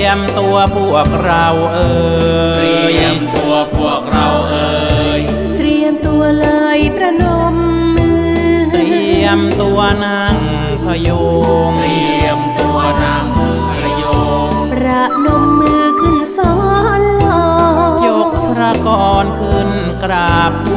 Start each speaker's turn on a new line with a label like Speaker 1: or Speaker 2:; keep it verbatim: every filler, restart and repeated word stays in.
Speaker 1: มตัวพวกเราเอ่ย
Speaker 2: เตรียมตัวพวกเราเอ่ย
Speaker 3: เตรียมตัวเลยประนมมือ
Speaker 1: เตรียมตัวนั่งพยุง
Speaker 2: เตรียมตัวนั่งพยุง
Speaker 3: ประนมมือขึ้นซ้อนลอย
Speaker 1: ยกพระกรขึ้นกราบ